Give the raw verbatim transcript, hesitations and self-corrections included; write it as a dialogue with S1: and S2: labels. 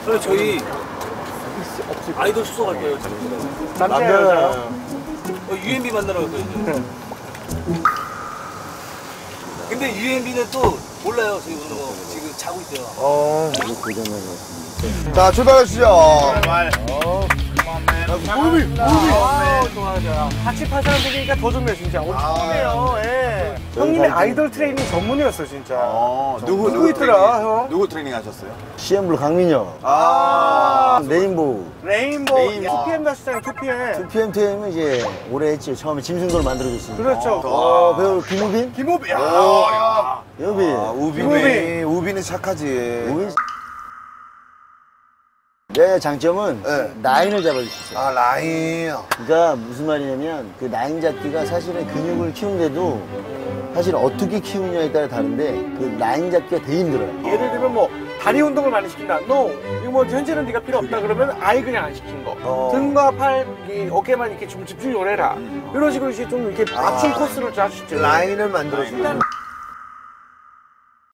S1: 그래 저희 아이돌 숙소 갈 거예요.
S2: 남자야.
S1: 유엔비 만나러 갈 거예요. 근데 유엔비는 또 몰라요. 저희 오는 거 지금 자고 있대요.
S2: 어.
S3: 자, 출발하시죠.
S2: 정말. 어. 무비, 무비. 아, 좋아, 좋아. 같이 팔 사람 되니까 더 좋네, 진짜. 오, 처음이에요, 예. 형님의 아이돌 트레이닝 전문이었어, 진짜.
S4: 어, 누구,
S2: 누구 있더라, 형?
S4: 누구 트레이닝 하셨어요?
S3: 씨엠블루 강민혁.
S4: 아,
S3: 레인보우.
S2: 레인보우,
S4: 레인보우.
S2: 투피엠 다시잖아요, 투피엠.
S3: 투피엠 티엠은 이제 오래 했지. 처음에 짐승도를 만들어줬으니까.
S2: 그렇죠.
S3: 어, 배우 김우빈?
S2: 김우빈. 야,
S3: 여비.
S4: 아, 우빈이,
S2: 우빈이.
S4: 우빈이 착하지.
S3: 우빈. 내 장점은
S4: 네.
S3: 라인을 잡아줄 수 있어요.
S4: 아, 라인.
S3: 그러니까 무슨 말이냐면 그 라인 잡기가 사실은 근육을 키우는데도 사실 어떻게 키우냐에 따라 다른데 그 라인 잡기가 되게 힘들어요.
S2: 예를 들면 뭐 다리 운동을 많이 시킨다. 너 이거 뭐 현재는 네가 필요 없다 그러면 아예 그냥 안 시킨 거.
S4: 어.
S2: 등과 팔, 이 어깨만 이렇게 좀 집중을 해라. 이런 식으로 이제 좀 이렇게 맞춤 코스를 짜주죠.
S3: 라인을 만들어주는